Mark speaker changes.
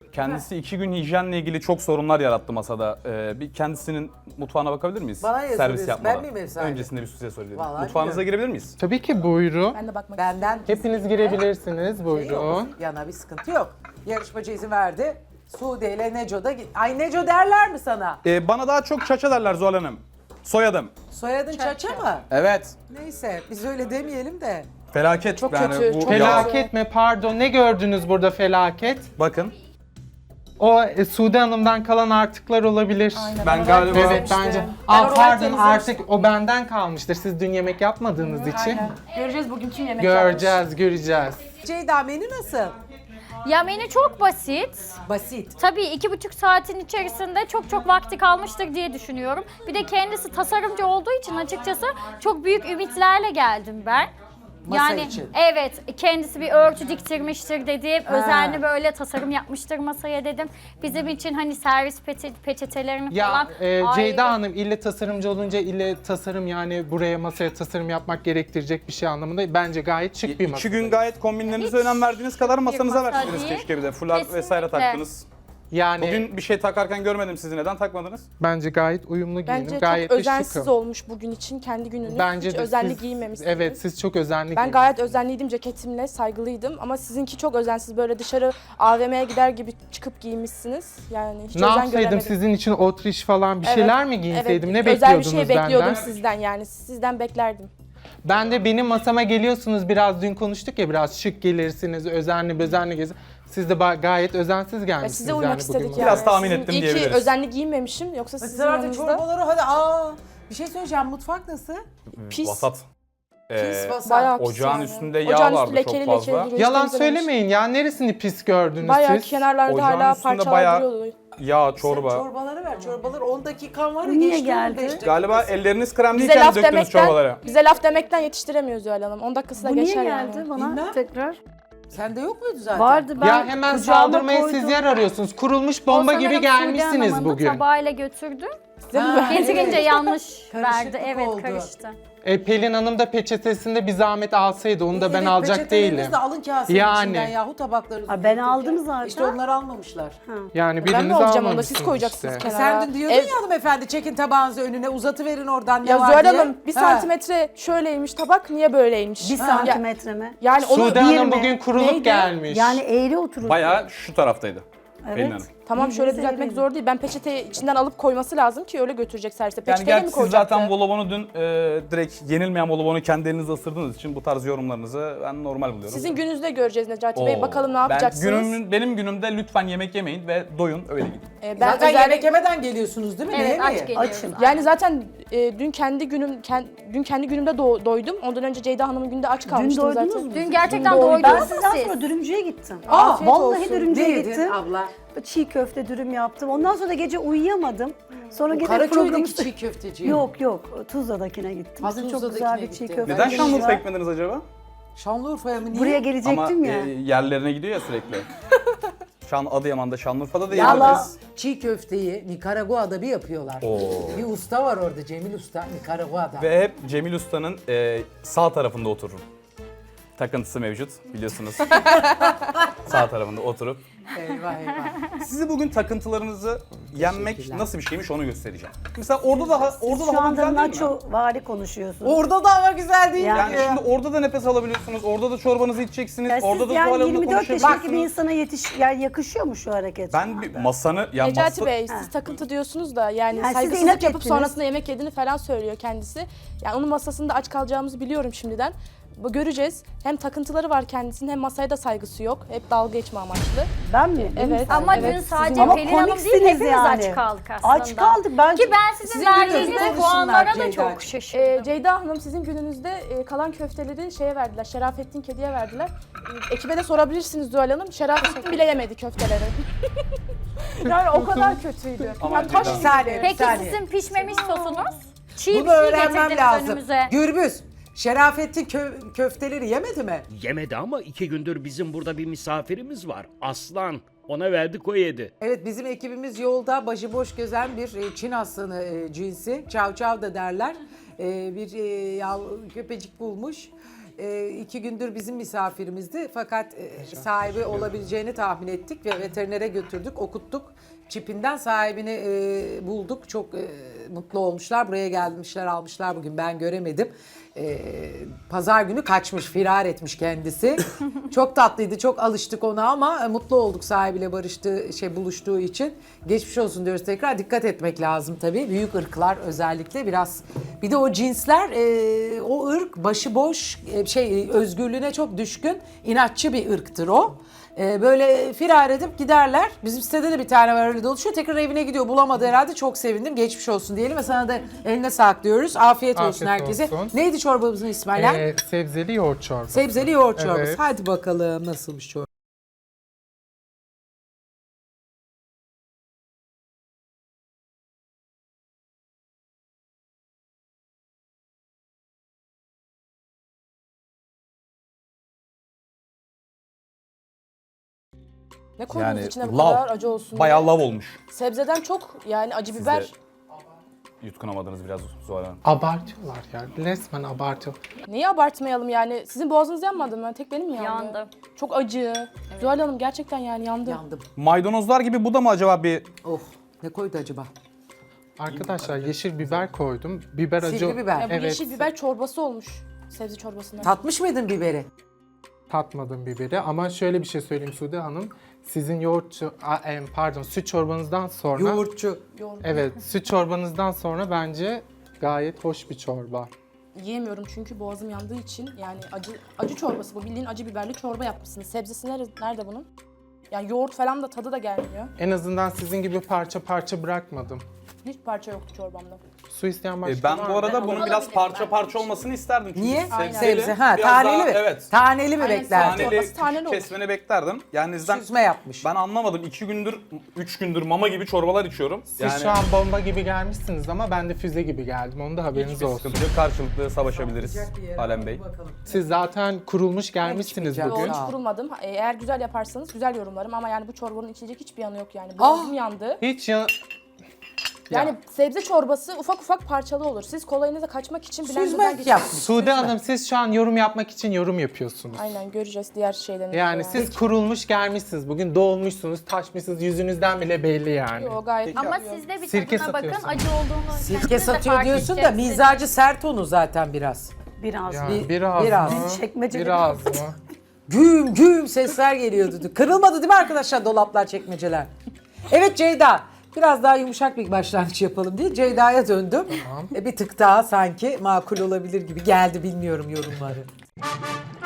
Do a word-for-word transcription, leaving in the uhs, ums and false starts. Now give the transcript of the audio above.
Speaker 1: Kendisi iki gün hijyenle ilgili çok sorunlar yarattı masada. Ee, bir kendisinin mutfağına bakabilir miyiz?
Speaker 2: Bana niye
Speaker 1: Servis
Speaker 2: soruyorsun?
Speaker 1: yapmadan.
Speaker 2: Ben miyim ev sahibi?
Speaker 1: Öncesinde bir size sorayım.
Speaker 2: Vallahi
Speaker 1: Mutfağınıza
Speaker 2: bilmiyorum.
Speaker 1: girebilir miyiz?
Speaker 3: Tabii ki buyurun.
Speaker 4: Ben de bakmak
Speaker 2: Benden
Speaker 3: Hepiniz girebilirsiniz.
Speaker 2: şey
Speaker 3: Buyurun.
Speaker 2: yok. Yana bir sıkıntı yok. Yarışmacı izin verdi. Sude ile Neco da... Ay Neco derler mi sana?
Speaker 1: Ee, bana daha çok Çaça derler Zuhal Hanım. Soyadım.
Speaker 2: Soyadın Çaça mı?
Speaker 1: Evet.
Speaker 2: Neyse biz öyle demeyelim de.
Speaker 1: Felaket.
Speaker 4: Çok
Speaker 1: yani
Speaker 4: kötü,
Speaker 1: bu
Speaker 4: çok
Speaker 1: yağ-
Speaker 3: Felaket mi? Pardon. Ne gördünüz burada felaket?
Speaker 1: Bakın.
Speaker 3: O e, Sude Hanım'dan kalan artıklar olabilir.
Speaker 1: Ben galiba...
Speaker 3: Evet bence.
Speaker 4: Ben
Speaker 3: Aa,
Speaker 4: orayı
Speaker 3: pardon
Speaker 4: temizlemiştim.
Speaker 3: artık o benden kalmıştır. Siz dün yemek yapmadığınız için.
Speaker 4: Göreceğiz bugün kim yemek yapmış.
Speaker 3: Göreceğiz, göreceğiz.
Speaker 2: Ceyda menü nasıl?
Speaker 5: Ya menü çok basit.
Speaker 2: Basit.
Speaker 5: Tabii iki buçuk saatin içerisinde çok çok vakti kalmıştır diye düşünüyorum. Bir de kendisi tasarımcı olduğu için açıkçası çok büyük ümitlerle geldim ben.
Speaker 2: Masa
Speaker 5: yani
Speaker 2: için.
Speaker 5: evet kendisi bir örtü diktirmiştir dedim. Özenli böyle tasarım yapmıştır masaya dedim. Bizim için hani servis peçe- peçetelerini
Speaker 3: Ya
Speaker 5: falan.
Speaker 3: e,
Speaker 5: ayrı-
Speaker 3: Ceyda Hanım ille tasarımcı olunca ille tasarım yani buraya masaya tasarım yapmak gerektirecek bir şey anlamında bence gayet şık bir masa.
Speaker 1: İki gün gayet kombinlerinize
Speaker 5: Hiç
Speaker 1: önem verdiğiniz kadar masanıza
Speaker 5: masa
Speaker 1: verseydiniz
Speaker 5: değil.
Speaker 1: keşke bir de. Fular vesaire
Speaker 5: Kesinlikle.
Speaker 1: taktınız.
Speaker 3: Yani
Speaker 1: Bugün bir şey takarken görmedim sizi. Neden takmadınız?
Speaker 3: bence gayet uyumlu giyinim.
Speaker 4: Bence
Speaker 3: Gayet
Speaker 4: çok
Speaker 3: de
Speaker 4: özensiz
Speaker 3: şıkım.
Speaker 4: olmuş bugün için kendi gününüz.
Speaker 3: Bence
Speaker 4: Hiç
Speaker 3: de
Speaker 4: özenli
Speaker 3: siz-
Speaker 4: giyinmemişsiniz.
Speaker 3: Evet siz çok özenli
Speaker 4: Ben
Speaker 3: giyindiniz.
Speaker 4: gayet özenliydim ceketimle, saygılıydım ama sizinki çok özensiz böyle dışarı A V M'ye gider gibi çıkıp giyinmişsiniz. Yani hiç
Speaker 3: Ne
Speaker 4: özen
Speaker 3: yapsaydım
Speaker 4: göremedim.
Speaker 3: sizin için otriş falan bir
Speaker 4: Evet,
Speaker 3: şeyler mi giyinseydim?
Speaker 4: evet,
Speaker 3: Ne
Speaker 4: özel bir
Speaker 3: bekliyordunuz
Speaker 4: şey bekliyordum
Speaker 3: benden?
Speaker 4: sizden yani sizden beklerdim.
Speaker 3: Ben de benim masama geliyorsunuz biraz dün konuştuk ya biraz şık gelirsiniz, özenli bezenli gezin. Siz de ba- gayet özensiz
Speaker 4: Ya
Speaker 3: gelmişsiniz
Speaker 4: size uymak
Speaker 3: yani
Speaker 4: istedik
Speaker 3: bugün.
Speaker 4: yani.
Speaker 1: Biraz tahmin
Speaker 4: Sizin
Speaker 1: ettim
Speaker 4: iyi ki
Speaker 1: diyebiliriz.
Speaker 4: özenli giyinmemişim yoksa sizin
Speaker 2: Mesela
Speaker 4: yanınızda
Speaker 2: çorbaları hadi aa. Bir şey söyleyeceğim mutfak nasıl?
Speaker 4: pis.
Speaker 1: Vasat. Ee,
Speaker 2: Pis vasat.
Speaker 4: Bayağı pis
Speaker 1: ocağın
Speaker 4: yani.
Speaker 1: üstünde yağ
Speaker 4: Ocağın
Speaker 1: vardı
Speaker 4: üstü lekeli
Speaker 1: çok fazla.
Speaker 4: lekeli duruyor.
Speaker 3: Yalan
Speaker 4: Hiç temizlememiş.
Speaker 3: söylemeyin ya neresini pis gördünüz
Speaker 4: Bayağı
Speaker 3: siz?
Speaker 4: kenarlarda
Speaker 1: Ocağın
Speaker 4: hala
Speaker 1: üstünde
Speaker 4: parçalar
Speaker 1: bayağı-
Speaker 4: duruyordu.
Speaker 1: Yağ,
Speaker 2: Sen
Speaker 1: çorba.
Speaker 2: çorbaları ver. Çorbaları on dakikan var ya
Speaker 6: Niye
Speaker 2: geçti
Speaker 6: geldi?
Speaker 2: on beş dakika.
Speaker 1: Galiba elleriniz krem
Speaker 4: Bize
Speaker 1: değilken
Speaker 4: laf
Speaker 1: döktünüz
Speaker 4: demekten,
Speaker 1: çorbaları.
Speaker 4: bize laf demekten yetiştiremiyoruz Zuhal Hanım. on dakikası da
Speaker 6: Bu niye
Speaker 4: geçer
Speaker 6: geldi
Speaker 4: yani.
Speaker 6: bana
Speaker 2: Bilmem.
Speaker 6: tekrar?
Speaker 2: Sende yok muydu zaten?
Speaker 6: Vardı ben
Speaker 3: Ya hemen
Speaker 6: kucağıma
Speaker 3: saldırmaya
Speaker 6: koydum.
Speaker 3: siz yer arıyorsunuz. Kurulmuş
Speaker 5: O
Speaker 3: bomba
Speaker 5: sanırım
Speaker 3: gibi
Speaker 5: Sude
Speaker 3: gelmişsiniz
Speaker 5: Hanım'ın
Speaker 3: bugün.
Speaker 5: tabağıyla götürdü.
Speaker 2: Ha,
Speaker 5: Getirince
Speaker 2: evet.
Speaker 5: yanlış
Speaker 2: Karışıklık
Speaker 5: verdi. Evet
Speaker 2: oldu.
Speaker 5: karıştı.
Speaker 3: E, Pelin Hanım da peçetesinde bir zahmet alsaydı onu da ben
Speaker 2: Evet,
Speaker 3: alacak
Speaker 2: peçeteleriniz
Speaker 3: değilim.
Speaker 2: de alın kasenin
Speaker 3: Yani.
Speaker 2: içinden yahu tabaklarınızı.
Speaker 6: Ha, ben
Speaker 2: götürürken.
Speaker 6: aldım zaten.
Speaker 2: İşte onlar almamışlar.
Speaker 3: Yani
Speaker 4: Ben
Speaker 3: biriniz
Speaker 4: mi olacağım onu da
Speaker 3: almamışsınız
Speaker 4: siz koyacaksınız
Speaker 3: işte.
Speaker 2: E
Speaker 4: kenara.
Speaker 2: sen dün diyordun
Speaker 4: Ev-
Speaker 2: ya hanımefendi çekin tabağınızı önüne uzatıverin oradan ne
Speaker 4: Ya
Speaker 2: var
Speaker 4: Zuhal
Speaker 2: diye.
Speaker 4: Hanım bir
Speaker 2: Ha.
Speaker 4: santimetre şöyleymiş tabak niye böyleymiş?
Speaker 6: Bir
Speaker 4: Ha.
Speaker 6: santimetre mi?
Speaker 4: Ya- yani onu
Speaker 3: Sude Hanım
Speaker 6: mi?
Speaker 3: bugün kurulup
Speaker 4: Neydi?
Speaker 3: gelmiş.
Speaker 6: Yani eğri oturur.
Speaker 1: Bayağı şu taraftaydı. Pelin
Speaker 6: Evet.
Speaker 1: Hanım.
Speaker 4: tamam şöyle
Speaker 6: Bildiğiniz
Speaker 4: düzeltmek
Speaker 6: eğri.
Speaker 4: zor değil. Ben peçeteyi içinden alıp koyması lazım ki öyle götürecek servise.
Speaker 1: Yani
Speaker 4: Peçeteyle
Speaker 1: gerçi
Speaker 4: mi
Speaker 1: siz
Speaker 4: koyacaktı?
Speaker 1: zaten volobonu dün e, direkt yenilmeyen volobonu kendi elinizle ısırdığınız için bu tarz yorumlarınızı ben normal buluyorum.
Speaker 4: Sizin gününüzde göreceğiz Necati Bey.
Speaker 1: Oo.
Speaker 4: Bakalım ne
Speaker 1: Ben
Speaker 4: yapacaksınız?
Speaker 1: günümün, benim günümde lütfen yemek yemeyin ve doyun öyle gidin.
Speaker 4: Ee, ben
Speaker 2: Zaten
Speaker 4: özel-
Speaker 2: yemek yemeden geliyorsunuz değil mi? Ne
Speaker 5: Evet aç
Speaker 2: yemeği?
Speaker 5: geliyoruz.
Speaker 6: Açım.
Speaker 4: Yani zaten e, dün kendi günüm ken- dün kendi günümde do- doydum. Ondan önce Ceyda Hanım'ın günde aç
Speaker 6: Dün
Speaker 4: kalmıştım
Speaker 6: doydunuz
Speaker 4: zaten.
Speaker 6: mu?
Speaker 5: Dün gerçekten
Speaker 4: Dün doydum.
Speaker 6: Ben
Speaker 5: doydunuz mu
Speaker 6: sizden
Speaker 5: siz?
Speaker 6: sonra dürümcüye gittim.
Speaker 4: Aa, afiyet
Speaker 6: Vallahi
Speaker 4: olsun.
Speaker 6: dürümcüye
Speaker 2: Ne yedin
Speaker 6: gittim.
Speaker 2: abla?
Speaker 6: Çiğ köfte dürüm yaptım. Ondan sonra da gece uyuyamadım. Sonra gene
Speaker 2: Karaköy'deki
Speaker 6: programı...
Speaker 2: çiğ köfteci.
Speaker 6: Yok yok Tuzla'dakine gittim.
Speaker 2: Ha,
Speaker 6: Sizin çok
Speaker 2: Tuzla'dakine
Speaker 6: güzel bir çiğ
Speaker 2: gittin.
Speaker 6: köfte.
Speaker 1: Neden
Speaker 6: var.
Speaker 1: Şanlıurfa ekmediniz acaba?
Speaker 2: Şanlıurfa'ya mı niye?
Speaker 6: Buraya
Speaker 1: Ama
Speaker 6: gelecektim ya.
Speaker 1: e, yerlerine gidiyor ya sürekli. Şan Adıyaman'da, Şanlıurfa'da da
Speaker 2: Valla
Speaker 1: yediniz.
Speaker 2: çiğ köfteyi Nikaragua'da bir yapıyorlar.
Speaker 1: Oo.
Speaker 2: Bir usta var orada Cemil Usta Nikaragua'da.
Speaker 1: Ve hep Cemil Usta'nın e, sağ tarafında otururum. Takıntısı mevcut biliyorsunuz. Sağ tarafında oturup.
Speaker 2: Eyvah eyvah.
Speaker 1: Sizi bugün takıntılarınızı yenmek nasıl bir şeymiş onu göstereceğim. Mesela orada da orada da
Speaker 6: Şu
Speaker 1: hava
Speaker 6: anda
Speaker 1: güzel değil mi?
Speaker 6: nacho vari konuşuyorsunuz.
Speaker 2: Orada da hava güzel değil
Speaker 6: Yani
Speaker 2: mi?
Speaker 1: Yani şimdi orada da nefes alabiliyorsunuz, orada da çorbanızı içeceksiniz,
Speaker 6: Ya
Speaker 1: orada
Speaker 6: siz
Speaker 1: da
Speaker 6: yani
Speaker 1: tuvalanla
Speaker 6: yirmi dört yaşındaki bir
Speaker 1: konuşacaksınız.
Speaker 6: insana yetiş, yani yakışıyor mu şu hareket?
Speaker 1: Ben bir masanı, ya
Speaker 4: Necati
Speaker 1: masa...
Speaker 4: Bey siz takıntı diyorsunuz da yani,
Speaker 6: Yani siz de
Speaker 4: saygısızlık
Speaker 6: inat
Speaker 4: yapıp
Speaker 6: ettiniz.
Speaker 4: sonrasında yemek yediğini falan söylüyor kendisi. Yani onun masasında aç kalacağımızı biliyorum şimdiden. Bu göreceğiz. Hem takıntıları var kendisinin hem masaya da saygısı yok. Hep dalga geçme amaçlı.
Speaker 6: Ben mi? Benim
Speaker 4: Evet.
Speaker 5: Ama
Speaker 4: Evet,
Speaker 5: dün
Speaker 4: sizin-
Speaker 5: sadece
Speaker 6: Ama
Speaker 5: Pelin Hanım değil
Speaker 6: komiksiniz
Speaker 5: hepimiz
Speaker 6: yani.
Speaker 5: aç kaldık aslında.
Speaker 6: Aç kaldık. Ben
Speaker 5: Ki ben sizin,
Speaker 2: Sizin
Speaker 5: verdiğiniz
Speaker 2: gününüzde
Speaker 5: puanlara da
Speaker 2: konuşsunlar
Speaker 5: çok
Speaker 2: Ceyda.
Speaker 5: şaşırdım.
Speaker 4: Ee, Ceyda Hanım sizin gününüzde e, kalan köfteleri şeye verdiler. Şerafettin Kedi'ye verdiler. E, ekibe de sorabilirsiniz Zuhal Hanım. Şerafettin bile yemedi köfteleri. yani o kadar kötüydü.
Speaker 1: Aman
Speaker 4: Yani taş
Speaker 1: Ceyda.
Speaker 2: Bir saniye, bir
Speaker 5: Peki
Speaker 2: saniye.
Speaker 5: sizin pişmemiş sosunuz? Çiğ bir
Speaker 2: Bunu
Speaker 5: şey
Speaker 2: öğrenmem
Speaker 5: getirdiniz
Speaker 2: lazım.
Speaker 5: önümüze.
Speaker 2: Gürbüz, Şerafettin kö- köfteleri yemedi mi?
Speaker 7: Yemedi ama iki gündür bizim burada bir misafirimiz var. Aslan. Ona verdik o yedi.
Speaker 2: Evet bizim ekibimiz yolda başıboş gezen bir e, Çin aslanı e, cinsi. Çav çav da derler. E, bir e, yav, köpecik bulmuş. e, iki gündür bizim misafirimizdi. Fakat e, sahibi olabileceğini tahmin ettik ve veterinere götürdük, okuttuk. Çipinden sahibini e, bulduk. Çok e, mutlu olmuşlar. Buraya gelmişler, almışlar bugün. Ben göremedim. E, Pazar günü kaçmış, firar etmiş kendisi. Çok tatlıydı, çok alıştık ona ama e, mutlu olduk sahibiyle barıştığı, şey buluştuğu için. Geçmiş olsun diyoruz tekrar. Dikkat etmek lazım tabii. Büyük ırklar özellikle biraz. Bir de o cinsler, e, o ırk başıboş, e, şey özgürlüğüne çok düşkün, inatçı bir ırktır o. Ee, böyle firar edip giderler. Bizim sitede de bir tane var öyle dolaşıyor. Tekrar evine gidiyor. Bulamadı herhalde. Çok sevindim. Geçmiş olsun diyelim ve sana da eline sağlık diyoruz. Afiyet, olsun
Speaker 3: Afiyet
Speaker 2: herkese.
Speaker 3: olsun.
Speaker 2: Neydi çorbamızın ismi Alen?
Speaker 3: Ee, sebzeli yoğurt çorbası.
Speaker 2: Sebzeli yoğurt çorbası.
Speaker 3: Evet.
Speaker 2: Hadi bakalım nasılmış çorba.
Speaker 4: Ne koydunuz
Speaker 1: Yani
Speaker 4: içine bu
Speaker 1: lav.
Speaker 4: kadar acı olsun
Speaker 1: Bayağı
Speaker 4: diye?
Speaker 1: lav olmuş.
Speaker 4: Sebzeden çok yani acı
Speaker 1: Siz
Speaker 4: biber.
Speaker 1: de yutkunamadınız biraz Zuhal Hanım.
Speaker 3: Abartıyorlar ya. Resmen abartıyor.
Speaker 4: Neyi abartmayalım yani? Sizin boğazınız yanmadı mı? Tek benim mi yandı?
Speaker 5: Yandı.
Speaker 4: Çok acı. Zuhal Hanım gerçekten yani yandı.
Speaker 2: Yandım.
Speaker 1: Maydanozlar gibi bu da mı acaba bir...
Speaker 2: Oh, ne koydu acaba?
Speaker 3: Arkadaşlar yeşil biber koydum. Biber acı.
Speaker 2: Sivri biber.
Speaker 4: Ya bu
Speaker 3: Evet.
Speaker 4: yeşil biber çorbası olmuş. Sebze çorbasından.
Speaker 2: Tatmış mıydın biberi?
Speaker 3: Tatmadım biberi ama şöyle bir şey söyleyeyim Sude Hanım. Sizin yoğurt, ço- a, em, pardon süt çorbanızdan sonra...
Speaker 2: Yoğurtçu.
Speaker 4: Yoğurt.
Speaker 3: Evet, süt çorbanızdan sonra bence gayet hoş bir çorba.
Speaker 4: Yiyemiyorum çünkü boğazım yandığı için. Yani acı acı çorbası bu. Bildiğin acı biberli çorba yapmışsınız. Sebzesi nerede, nerede bunun? Yani yoğurt falan da tadı da gelmiyor.
Speaker 3: En azından sizin gibi parça parça bırakmadım.
Speaker 4: Hiç parça yoktu çorbamda.
Speaker 3: Su isteyen başka
Speaker 1: E, ben
Speaker 3: var
Speaker 1: bu
Speaker 3: mı?
Speaker 1: arada bunun biraz
Speaker 5: alabilirim
Speaker 1: parça
Speaker 5: ben.
Speaker 1: parça olmasını isterdim. Çünkü
Speaker 2: Niye?
Speaker 4: Aynen.
Speaker 1: sebzeli,
Speaker 2: Sebze. Ha,
Speaker 1: biraz
Speaker 2: taneli
Speaker 1: daha-
Speaker 2: mi?
Speaker 1: Evet.
Speaker 2: Taneli mi
Speaker 4: Aynen,
Speaker 2: beklerdin?
Speaker 4: taneli.
Speaker 1: Taneli
Speaker 4: Çorbası taneli olur.
Speaker 1: kesmeni beklerdim. Yani sizden
Speaker 2: Süzme yapmış.
Speaker 1: ben anlamadım. iki gündür, üç gündür mama gibi çorbalar içiyorum.
Speaker 3: Siz şu an bomba gibi gelmişsiniz ama ben de füze gibi geldim. Onu da haberiniz
Speaker 1: hiçbir
Speaker 3: olsun.
Speaker 1: sıkıntı yok. Karşılıklı savaşabiliriz Alem Bey.
Speaker 3: Siz zaten kurulmuş gelmişsiniz
Speaker 2: çıkmayacak.
Speaker 3: bugün.
Speaker 4: Yo,
Speaker 2: Sağ ol.
Speaker 4: hiç kurulmadım. E, Eğer güzel yaparsanız güzel yorumlarım ama yani bu çorbanın içecek hiçbir yanı yok yani.
Speaker 2: Ah!
Speaker 4: Boğazım yandı.
Speaker 3: Hiç ya...
Speaker 4: Yani
Speaker 3: Ya.
Speaker 4: sebze çorbası ufak ufak parçalı olur. Siz kolayınıza kaçmak için blenderdan
Speaker 2: Süzme
Speaker 4: geçiyorsunuz.
Speaker 2: yapmış.
Speaker 3: Sude Hanım siz şu an yorum yapmak için yorum yapıyorsunuz.
Speaker 4: Aynen göreceğiz diğer şeylerini.
Speaker 3: Yani siz kurulmuş gelmişsiniz. Bugün doğulmuşsunuz, taşmışsınız. Yüzünüzden bile belli yani.
Speaker 4: Yo, gayet
Speaker 5: Ama
Speaker 4: güzel.
Speaker 5: siz de bir
Speaker 3: Sirke
Speaker 5: tadına bakın
Speaker 3: satıyorsun.
Speaker 5: acı olduğunu.
Speaker 2: Sirke
Speaker 5: kendiniz de
Speaker 2: satıyor
Speaker 5: fark
Speaker 2: diyorsun da
Speaker 5: edeceksiniz.
Speaker 2: mizacı sert onu zaten biraz.
Speaker 6: Biraz.
Speaker 3: Ya,
Speaker 2: Bir-
Speaker 3: biraz,
Speaker 2: biraz.
Speaker 3: mı?
Speaker 6: Çekmeceli
Speaker 3: Biraz mı?
Speaker 2: Güm güm sesler geliyordu. Kırılmadı değil mi arkadaşlar dolaplar, çekmeceler? Evet Ceyda. Biraz daha yumuşak bir başlangıç yapalım diye Ceyda'ya döndüm. E, bir tık daha sanki makul olabilir gibi geldi, bilmiyorum yorumları.